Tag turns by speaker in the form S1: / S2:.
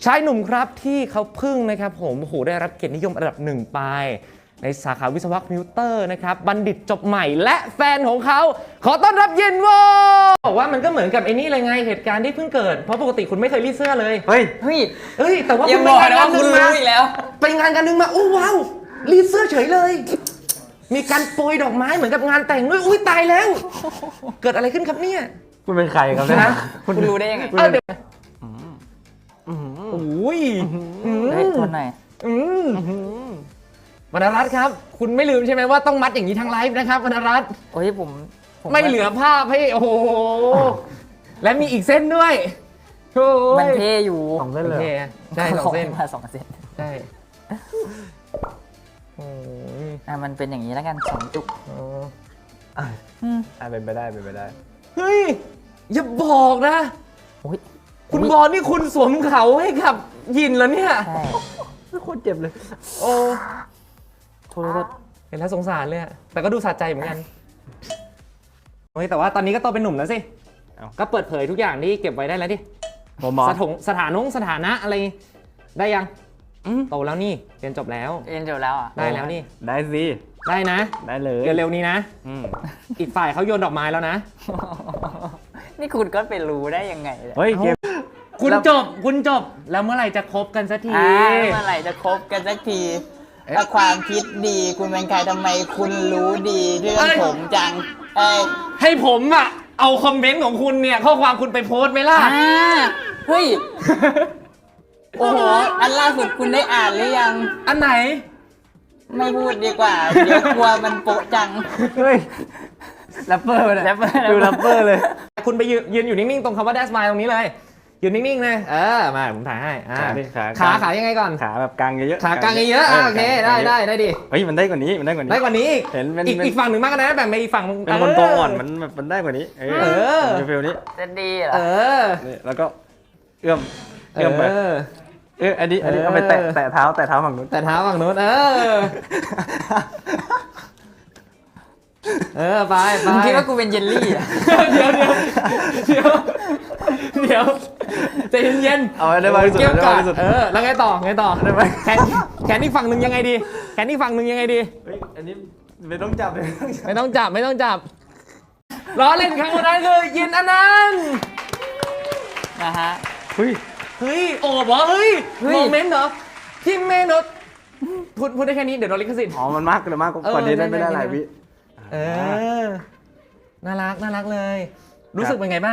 S1: ชายหนุ่มครับที่เขาเพิ่งนะครับผมโอ้โหได้รับเกียรตินิยมอันดับหนึ่งไปในสาขาวิศวะคอมพิวเตอร์นะครับบัณฑิตจบใหม่และแฟนของเขาขอต้อนรับยินวอบอกว่ามันก็เหมือนกับไอ้นี่เลยไงเหตุการณ์ที่เพิ่งเกิดเพราะปกติคุณไม่เคยรีดเสื้อเลย
S2: เฮ้ย
S1: แต่ว่า
S3: อย่า
S1: คุณ
S3: บอก
S1: ไป
S3: นะ
S1: งาน
S3: ว่าคุณรู้อีกแล้ว
S1: ไปงานกันนึงมาโอ้ว้าวรีดเสื้อเฉยเลย มีการโปรยดอกไม้เหมือนกับงานแต่งด้วยอุ้ยตายแล้วเกิดอะไรขึ้นครับเนี่ย
S2: คุณเป็นใครครับเนี่ย
S3: คุณรู้ได้ยังไง
S1: เดี๋ยวอุ้ย
S3: เฮ้ยทนหน่อย
S1: วรรณรัตน์ครับคุณไม่ลืมใช่ไหมว่าต้องมัดอย่างนี้ทั้งไลฟ์นะครับวรรณรัตน์
S3: โอ้ยผม
S1: ไม่เหลือภาพให้โอ้โหและมีอีกเส้นด้วยโอ้ย
S3: มันเท่อยู่
S2: สองเส้นเลย
S1: โอเคใช่สองเส้น
S3: มา2 เส้น
S1: ใช่โอ้ย
S3: มันเป็นอย่างนี้แล้วกัน2 จุก
S2: เป็นไปได้เป็นไปได้
S1: เฮ้ยอย่าบอกนะ
S3: โอ้ย
S1: คุณบอลนี่คุณสวมเขาให้กับยินแล้วเนี่ย
S3: ใช่
S2: โคตรเจ็บเลย
S1: โอ้
S3: โทษ
S1: เห็นแล้วสงสารเลยอะแต่ก็ดูสะใจเหมือนกันโอ้ยแต่ว่าตอนนี้ก็โตเป็นหนุ่มแล้วสิก็เปิดเผยทุกอย่างที่เก็บไว้ได้แล้วดิ
S2: ผมมอง
S1: สถานะอะไรได้ยังโตแล้วนี่เรียนจบแล้ว
S3: เรียนจบแล้วอ่ะ
S1: ได้แล้วนี่
S2: ได้สิ
S1: ได้นะ
S2: ได้เลย
S1: เร็วๆนี้นะ
S2: อืม
S1: อีกฝ่ายเขาโยนดอกไม้แล้วนะ
S3: นี่คุณก็ไปรู้ได้ยังไงเนี่ย
S2: เฮ้ยเกม
S1: คุณจบแล้วเมื่อไหร่จะคบกันสักที
S3: เมื่อไหร่จะคบกันสักทีถ้าความคิดดีคุณเป็นใครทำไมคุณรู้ดีเรื่องผมจัง
S1: ให้ผมอะเอาคอมเมนต์ของคุณเนี่ยข้อความคุณไปโพสต์ไหมล่ะ
S3: เฮ้ย โอ้โห อันล่าสุดคุณได้อ่านหรือยัง
S1: อันไหน
S3: ไม่พูดดีกว่า เดี๋ยวกลัวมันโปะจัง
S2: เฮ้ยแรปเปอร์เลย
S3: แรปเปอร์
S2: ดูแรปเปอร์เลย
S1: คุณไปยืนอยู่นิ่งๆตรงคำว่า That's My ตรงนี้เลยยืนนิ่งๆเลยมาผมถ่ายให้ขายังไงก่อน
S2: ขาแบบกลางเยอะๆ
S1: ขากลางเยอะโอเคได้ดิ
S2: เฮ้ยมันได้กว่านี้มันได้กว่านี้
S1: ได้กว่านี้
S2: เห็นเป็น
S1: อีกฝั่งหนึ่งมากนะแบ่งไปอีกฝั่ง
S2: เป็นคนตัวอ่อนมันได้กว่านี้เป็นฟิลนี้
S3: จะดีเหรอ
S2: นี่แล้วก็เอื้อมไปอันนี้เอาไปแตะเท้าฝั่งนู้น
S1: แต่เท้าฝั่งนู้นไป
S3: มึงคิดว่ากูเป็นเยลลี่อ่ะ
S1: เดี๋ยวใจเย็นๆ
S2: เอาได้มากที่สุด
S1: เกี่ยว
S2: ได้
S1: กั
S2: มาก
S1: บ
S2: ที่สุด
S1: แล้วไงต่อ
S2: ได้ไหม
S1: แขนอีกฝั่งหนึ่งยังไงดีเฮ้ย
S2: อันนี้ไม่ต้องจับเลย
S1: ไม่ต้องจับล้อเล่นครั้งนั้นคือยินอนันต์
S3: นะฮะ
S2: เฮ้ย
S1: โอ้บอกเฮ้ยโมเมนต์เหรอที่เมนต์พูดได้แค่นี้เดี๋ยวโดนลิขสิทธิ์
S2: อ๋อมันมากกว่านี้ได้ไม่ได้หลายวิ
S1: น่ารักเลยรู้สึกเป็นไงบ้าง